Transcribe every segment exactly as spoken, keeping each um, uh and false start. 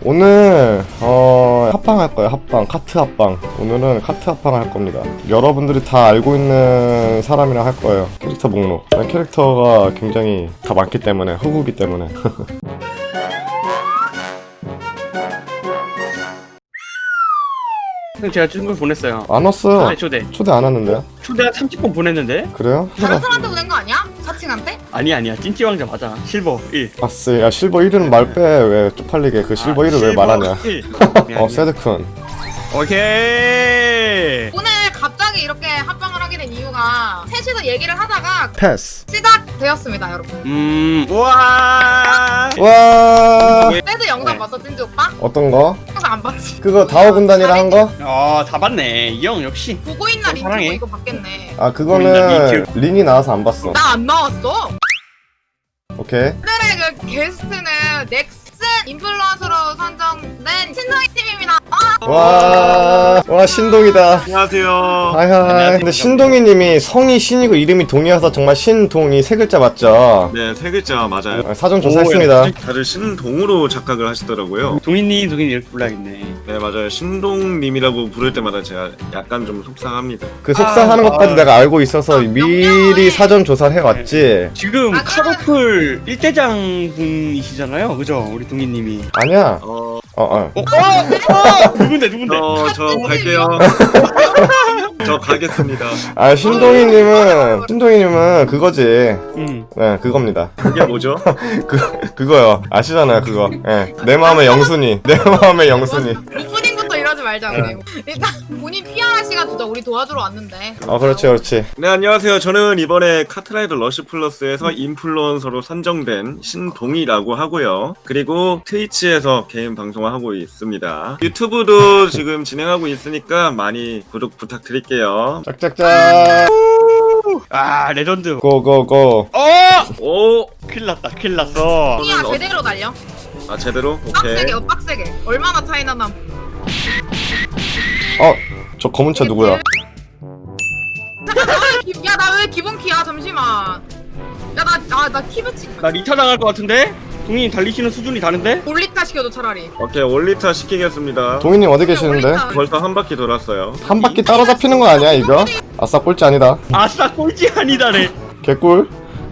오늘 어 합방 할 거예요. 합방, 카트 합방. 오늘은 카트 합방 할 겁니다. 여러분들이 다 알고 있는 사람이랑 할 거예요. 캐릭터 목록. 캐릭터가 굉장히 다 많기 때문에, 흑우기 때문에. 형 제가 친구 보냈어요. 안 왔어요. 초대 초대. 초대 안 왔는데요? 초대 한 삼십 번 보냈는데? 그래요? 다른 사람한테 보낸 거 아니야? 사칭한테? 아니야 아니야 찐찌 왕자 맞아. 실버 일. 아쓰, 야 실버 일은 말 빼. 왜 쪽팔리게 그 실버 아, 일을 왜 말하냐? 일. 어 세드쿤. 오케이. 오늘 갑자기 이렇게 합방을 하게 된 이유가 셋이서 얘기를 하다가 패스. 시작되었습니다, 여러분. 음. 우와. 와. 세드 영상 네. 봤어, 찐지 오빠? 어떤 거? 영상 안 봤지? 그거 다오 군단이랑 한 거? 어, 다 봤네. 이 형 역시. 보고 있나 어, 링크 사랑해. 뭐 이거 봤겠네. 아 보인다, 그거는 링크. 린이 나와서 안 봤어. 나 안 나왔어. 오케이. 오늘의 그 게스트는 넥슨 인플루언서로 선정된 신성희 팀입니다. 아! 와, 와 신동이다. 안녕하세요. 하이하이. 근데 신동이님이 성이 신이고 이름이 동이어서 정말 신동이 세 글자 맞죠? 네, 세 글자 맞아요. 아, 사전 조사했습니다. 다들 신동으로 착각을 하시더라고요. 동인님 동인님 이렇게 불러야겠네. 네, 맞아요. 신동님이라고 부를 때마다 제가 약간 좀 속상합니다. 그 속상하는 아, 것까지 아. 내가 알고 있어서 아, 미리 명령해. 사전 조사를 해왔지. 지금 아, 카로플 일대장 분이시잖아요. 그죠? 우리 동인님이. 아니야. 어, 어, 어. 어? 어? 어? 누군데 누군데? 저, 저 갈게요. 저 가겠습니다. 아 신동이님은 신동이님은 그거지. 음. 네, 그겁니다. 그게 뭐죠? 그 그거요. 아시잖아요, 그거. 예. 내 마음의 영순이. 내 마음의 영순이. 오프닝부터 이러지 말자 그래. 일단 본인 피아라 씨가 진짜 우리 도와주러 왔는데. 어, 그렇지, 그렇지. 네, 안녕하세요. 저는 이번에 카트라이더 러쉬 플러스에서 인플루언서로 선정된 신동이라고 하고요. 그리고 트위치에서 개인 방송을 하고 있습니다. 유튜브도 지금 진행하고 있으니까 많이 구독 부탁드릴게요. 짝짝짝. 아 레전드. 고고고. 어! 오! 큰일 났다 큰일 났어. 동이야 어- 제대로 달려. 아, 제대로? 오케이. 빡세게, 어, 빡세게. 얼마나 차이나 남. 어, 저 검은 차 누구야? 야 나 왜 기본 키야? 잠시만. 야나나나 키배치. 나 리타 당할 것 같은데? 동인님 달리시는 수준이 다른데? 올리타 시켜줘 차라리. 오케이, 올리타 시키겠습니다. 동희님 어디 계시는데? 올리타. 벌써 한 바퀴 돌았어요. 한 바퀴 따라잡히는 거 아니야 이거? 아싸 꼴찌 아니다. 아싸 꼴찌 아니다래. 개꿀.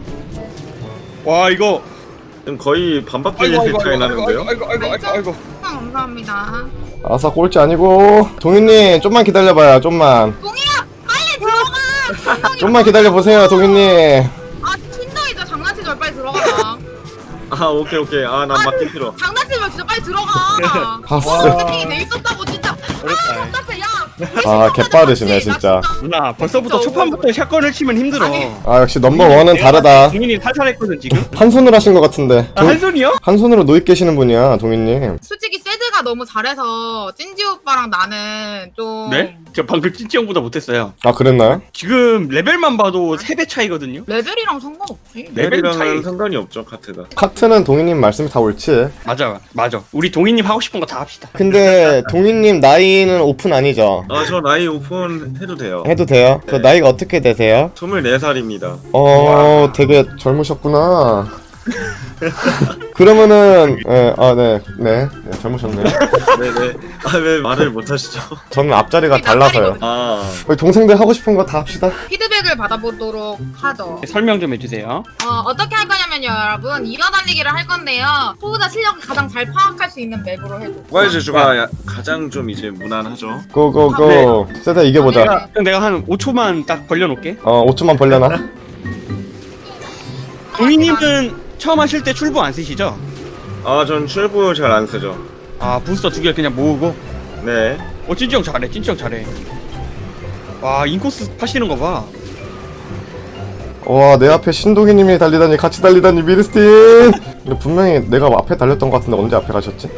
와 이거. 지금 거의 반 바퀴 아이고 아이고 차이 아이고 나는데요? 아이고 아이고 아이고 아이고. 감사합니다. 아싸 꼴찌 아니고. 동희님 좀만 기다려봐요. 좀만. 동이야 빨리 들어가. 신동이 좀만 기다려 보세요, 동희님. 아 신동이죠 장난치지 말 빨리 들어가. 아, 오케이, 오케이. 아, 난 바퀴 싫어. 장난치지 말 진짜 빨리 들어가. 아싸. 세팅이 돼 있었다고 진짜. 어렵다. 아 답답해 야. 아, 개빠르시네, 진짜. 누나 벌써부터 초판부터 샷건을 치면 힘들어. 아니. 아 역시 넘버원은 다르다. 동인님 살살했거든 지금. 한 손으로 하신 것 같은데. 아, 한 손이요? 한 손으로 노입 계시는 분이야, 동희님. 솔직히 세드가 너무 잘해서 찐지 오빠랑 나는 좀 네? 저 방금 찐찌 형보다 못했어요. 아 그랬나요? 지금 레벨만 봐도 세 배 차이거든요. 레벨이랑 상관없지. 레벨 차이. 레벨이랑은 상관이 없죠, 카트가. 카트는 동희님 말씀이 다 옳지. 맞아 맞아. 우리 동인님 하고 싶은 거 다 합시다. 근데 동희님 나이는 오픈 아니죠? 아, 저 나이 오픈 해도 돼요. 해도 돼요? 그 네. 나이가 어떻게 되세요? 스물네 살입니다. 어, 되게 젊으셨구나. 그러면은, 예, 아, 네, 네, 네, 젊으셨네요. 네네. 아, 왜 말을 못 하시죠? 저는 앞자리가 우리 달라서요. 낯가리거든. 아, 우리 동생들 하고 싶은 거 다 합시다. 피드백을 받아보도록 하죠. 설명 좀 해주세요. 어, 어떻게 할 거냐면요, 여러분. 이어달리기를 할 건데요. 소유자 실력을 가장 잘 파악할 수 있는 맵으로 해줘. 와이즈주가 야- 가장 좀 이제 무난하죠. 고고고. 세다 이겨보자. 내가 형 내가 한 오 초만 딱 벌려놓을게. 어, 오 초만 벌려놔. 동인님은 처음 하실 때 출부 안 쓰시죠? 아, 전 출부 잘 안 쓰죠. 아 부스터 두 개 그냥 모으고. 네. 어 찐찌 형 잘해. 찐찌 형 잘해. 와 인코스 파시는 거 봐. 와, 내 앞에 신동희님이 달리다니, 같이 달리다니, 미르스틴! 근데 분명히 내가 앞에 달렸던 것 같은데 언제 앞에 가셨지?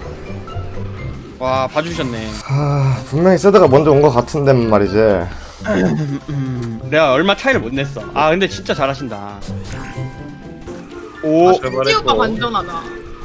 와 봐주셨네. 아, 분명히 세다가 먼저 온 것 같은데 말이지. 음, 내가 얼마 차이를 못 냈어. 아 근데 진짜 잘하신다. 오. 아, 찐지 오빠 잘말했고. 완전하다.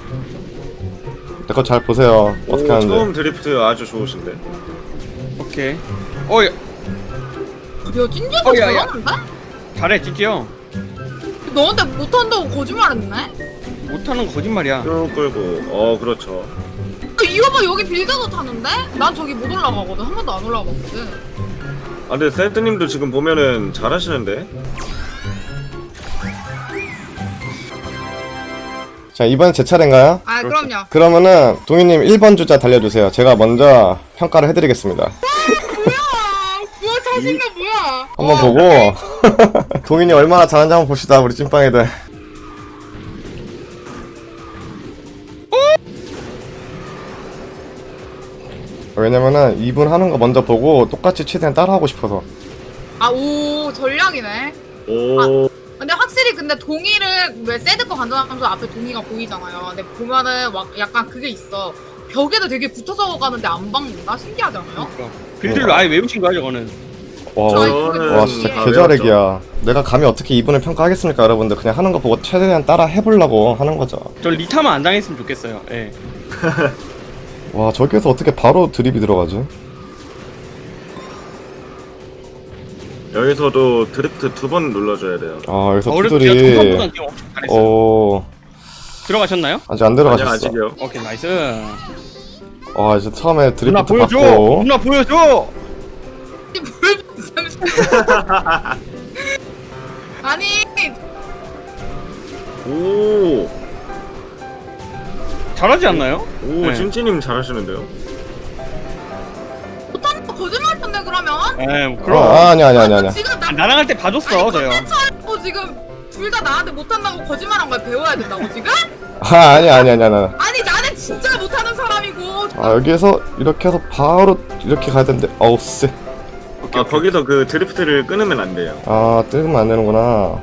내 거 잘 보세요. 오, 어떻게 하는데. 처음 드리프트 아주 좋으신데. 오케이. 어 야, 야, 찐지 오빠 어, 야, 야. 잘하는데? 잘해 찐찌 형. 너한테 못한다고 거짓말했네? 못하는 거 거짓말이야. 쭉 끌고. 어, 그렇죠. 이 오빠 여기 빌드도 타는데? 난 저기 못 올라가거든. 한 번도 안 올라가거든. 아 근데 세트님도 지금 보면은 잘하시는데. 자, 이번엔 제 차례인가요? 아 그럼요. 그러면은 동희님 일 번 주자 달려주세요. 제가 먼저 평가를 해드리겠습니다. 뭐야? 뭐야 자신감 뭐야? 한번 어, 보고 동희님 얼마나 잘하는지 한번 봅시다, 우리 찐빵이들. 왜냐면은 이분 하는 거 먼저 보고 똑같이 최대한 따라하고 싶어서. 아오 전략이네. 오. 근데 확실히 근데 동의를 왜 새드거 간전하면서 앞에 동의가 보이잖아요. 근데 보면은 막 약간 그게 있어. 벽에도 되게 붙어서 가는데 안 박는다? 신기하지 않아요? 그러니까. 빌드를 아예 외우신 거야 저거는. 와, 저희 와, 그거 와 동의에- 진짜 다 개자렉이야. 내가 감히 어떻게 이분을 평가하겠습니까, 여러분들. 그냥 하는 거 보고 최대한 따라 해보려고 하는 거죠. 저 리타만 안 당했으면 좋겠어요. 예. 와, 저기에서 어떻게 바로 드립이 들어가지? 여기서도 드리프트 두 번 눌러줘야 돼요. 아, 여기서 어렵죠. 투들이 초반보다 지금 엄청 잘했어요. 오, 들어가셨나요? 아직 안 아직 들어가셨어. 아직이요. 오케이 나이스. 아, 이제 처음에 누나 드리프트 보여줘. 받고. 누나 보여줘. 뭘 아니 오. 잘하지 않나요? 오 네. 찐찐님 잘하시는데요. 못하는 거 거짓말 텐데 그러면? 예, 어, 그럼. 아, 아니, 아니, 아니, 아니. 지금 나 나랑 할 때 봐줬어 저요. 어 지금 둘 다 나한테 못한다고 거짓말한 걸 배워야 된다고 지금? 아, 아니, 아니, 아니, 아니. 아니 나는 진짜 못하는 사람이고. 아, 여기에서 이렇게 해서 바로 이렇게 가야 되는데, 어우, 쎄. 아 거기서 그 드리프트를 끊으면 안 돼요. 아, 뜨면 안 되는구나.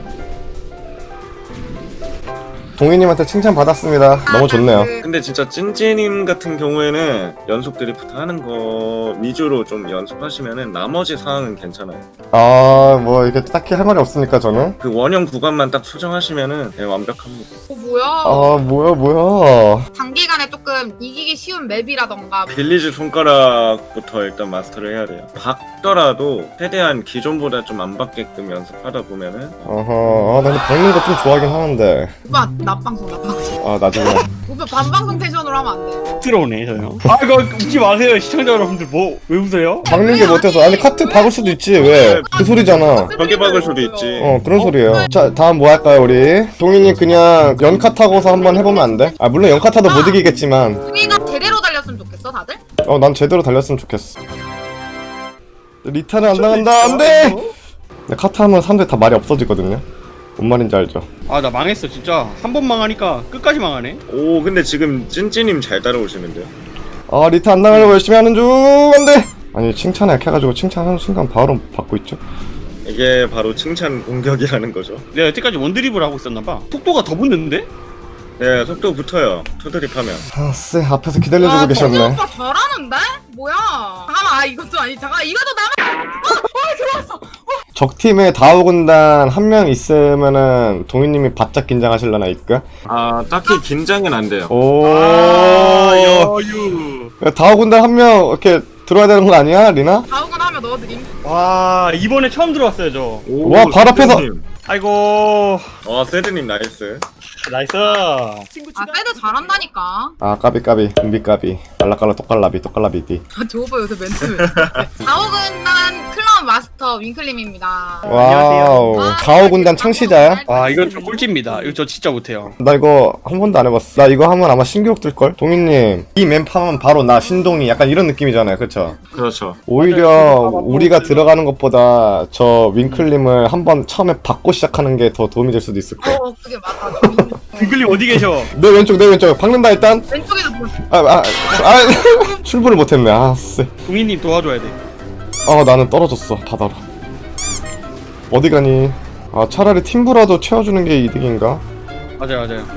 동희님한테 칭찬 받았습니다. 너무 좋네요. 그- 근데 진짜 찐찐님 같은 경우에는 연속 드리프트 하는 거 위주로 좀 연습하시면은 나머지 상황은 괜찮아요. 아, 뭐, 이게 딱히 할 말이 없으니까, 저는. 그 원형 구간만 딱 수정하시면은 네, 완벽합니다. 어 뭐야? 아, 뭐야, 뭐야. 단기간에 조금 이기기 쉬운 맵이라던가. 빌리지 손가락부터 일단 마스터를 해야 돼요. 박더라도 최대한 기존보다 좀 안 받게끔 연습하다 보면은 어허, 아, 나 근데 박는 거 좀 좋아하긴 하는데. 오빠 낮방송 낮방송. 아, 나중에. 오빠 반방송 텐션으로 하면 안 돼. 들어오네 저요. 아 이거 웃지 마세요 시청자 여러분들. 뭐 왜 웃어요? 박는 게 못해서. 아니, 카트 박을 수도 있지, 왜? 그 소리잖아. 벽에 박을 수도 있지. 어, 그런 소리예요. 자, 다음 뭐 할까요, 우리? 동희님 그냥 연카 타고서 한번 해보면 안 돼? 아, 물론 연카 타도 못 이기겠지만. 우리가 제대로 달렸으면 좋겠어 다들? 어, 난 제대로 달렸으면 좋겠어. 리타는 안 나간다, 안 돼! 근데 카트 하면 사람들이 다 말이 없어지거든요. 뭔 말인지 알죠? 아 나 망했어 진짜. 한 번 망하니까 끝까지 망하네. 오 근데 지금 찐찐님 잘 따라오시는데요. 아, 리타 안 나가려고 열심히 하는 중, 안 돼! 아니, 칭찬에 약해가지고 칭찬하는 순간 바로 받고 있죠? 이게 바로 칭찬 공격이라는 거죠. 내가 여태까지 원드립을 하고 있었나봐. 속도가 더 붙는데? 네 속도 붙어요. 투드립하면. 아, 쎄, 앞에서 기다려주고 와, 계셨네. 정우 오빠 잘하는데? 뭐야? 잠깐만, 아 이것도 아니 잠깐 이것도 나만. 어, 어 들어왔어. 적팀에 다오군단 한 명 있으면은 동희님이 바짝 긴장하실려나, 이까? 아 딱히 긴장은 안 돼요. 오, 아 여유. 다오군단 한 명 이렇게 들어야 되는 거 아니야, 리나? 다우건 하면 넣어드림. 와 이번에 처음 들어왔어요 저. 오, 와, 바로 앞에서! 세드님. 아이고 어 세드님 나이스. 나이스. 아 세드 잘한다니까. 아, 까비 까비 준비 까비 알라깔라 똑갈라비 똑갈라비디. 아, 저 오빠 요새 멘트 왜? 다우근단 클럽 마스터 윙클림입니다. 와우, 아, 다오군단 창시자야? 아 이건 저 꼴찌입니다. 이거 저 진짜 못해요. 나 이거 한 번도 안 해봤어. 나 이거 하면 아마 신기록 뜰걸? 동희님 이 맵 하면 바로 나 신동이 약간 이런 느낌이잖아요, 그쵸? 그렇죠. 오히려 우리가 들어가는 것보다 저 윙클림을 한번 처음에 받고 시작하는 게 더 도움이 될 수도 있을 거야. 어, 그게 맞아. 빙글님 어디 계셔? 내 왼쪽 내 왼쪽 박는다 일단. 왼쪽에도 뭐- 아, 아, 아 출발을 못했네. 아, 쎄. 동희님 도와줘야 돼. 아, 나는 떨어졌어 바다로. 어디 가니? 아, 차라리 팀브라도 채워주는 게 이득인가? 맞아요 맞아요.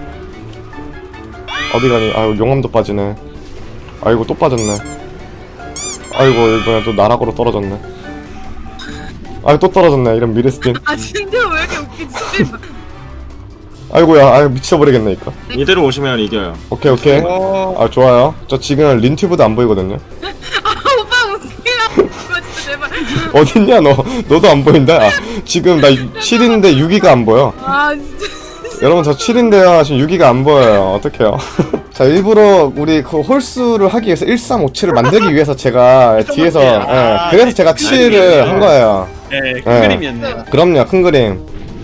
어디 가니? 아유, 용암도 빠지네. 아이고, 또 빠졌네. 아이고, 이번엔 또 나락으로 떨어졌네. 아유, 또 떨어졌네. 이런 미르스틴. 아 진짜 왜 이렇게 웃기지? 아이고야, 아유, 미쳐버리겠네, 이거. 이대로 오시면 이겨요. 오케이, 오케이. 어... 아, 좋아요. 저 지금 린튜브도 안 보이거든요. 아 오빠 웃기라. 이거 진짜 제발. 어딨냐, 너. 너도 안 보인다. 아, 지금 나 칠인데 육 위가 안 보여. 아 진짜. 여러분, 저 칠인데요. 지금 육 위가 안 보여요. 어떡해요. 자 일부러 우리 그 홀수를 하기 위해서 일삼오칠을 만들기 위해서 제가 뒤에서 예, 아, 그래서 제가 칠을 한 거예요. 네, 큰 네. 그림이었네요. 그럼요, 큰 그림.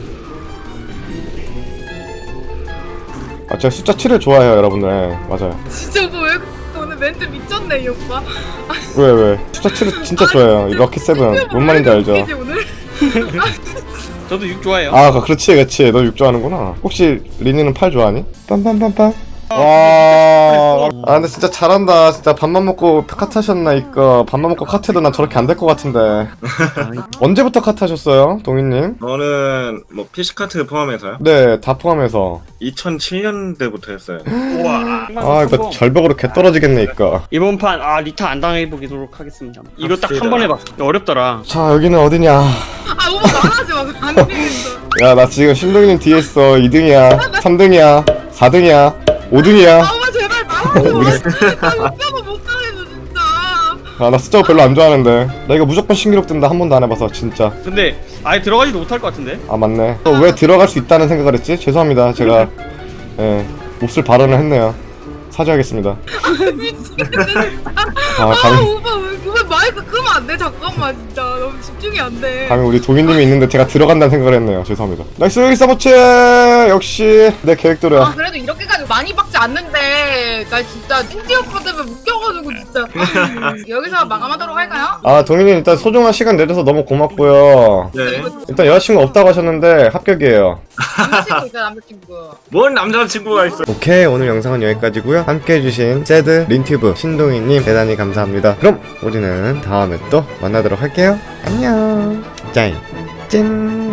아 제가 숫자 칠을 좋아해요 여러분들. 예, 맞아요. 진짜 오빠 왜 오늘 멘트 미쳤네 이 오빠. 왜 왜? 숫자 칠을 진짜 좋아해요. 이 럭키 세븐 뭔 말인지 알죠? 웃기지, 오늘? 저도 육 좋아해요. 아 그렇지 그렇지 너 육 좋아하는구나. 혹시 리니는 팔 좋아하니? 빰빰빰빰. 와, 아 근데 진짜 잘한다. 진짜 밥만 먹고 카트 하셨나 이거. 밥만 먹고 카트도 난 저렇게 안 될 것 같은데. 언제부터 카트 하셨어요, 동희님? 저는 뭐 피시카트 포함해서요. 네, 다 포함해서. 이천칠 년대부터 했어요. 우와. 아 이거 절벽으로 개 떨어지겠네 이거. 이번 판 아 리타 안 당해보도록 하겠습니다. 이거 딱 한 번 해봤어. 어렵더라. 자 여기는 어디냐? 아 오빠 말하지 마. 안 되겠어. 야 나 지금 신동이님 뒤에 있어. 이 등이야, 삼 등이야, 사 등이야, 오 등이야. 아 오빠 제발 말하지 마. 진짜 웃겨서 못하겠어 진짜. 아 나 숫자 별로 안 좋아하는데. 나 이거 무조건 신기록 뜬다. 한 번도 안 해봐서 진짜. 근데 아예 들어가지도 못할 것 같은데. 아 맞네. 또 왜 들어갈 수 있다는 생각을 했지? 죄송합니다. 제가 예 몹쓸 발언을 했네요. 사죄하겠습니다. 미치겠네 진짜. 아 아 감히 오빠 왜, 왜 마이크 끄면 안 돼? 잠깐만 진짜 너무 집중이 안 돼. 감히 우리 동희님이 있는데 제가 들어간다는 생각을 했네요. 죄송합니다. 나이스 일사보치 역시 내 아 계획대로야. 그래도 이렇게까지 많이 박지 않는데 나 진짜 찐찌 오빠 때문에 웃겨가지고 진짜. 여기서 마감하도록 할까요? 아 동희님 일단 소중한 시간 내줘서 너무 고맙고요. 네. 일단 여자친구 없다고 하셨는데 합격이에요. 남자친구 있잖아 남자친구. 뭔 남자친구가 있어? 오케이 오늘 영상은 여기까지고요. 함께 해주신 세드 린튜브 신동희님 대단히 감사합니다. 그럼 우리는 다음에 또 만나도록 할게요. 안녕. 짠. 짠.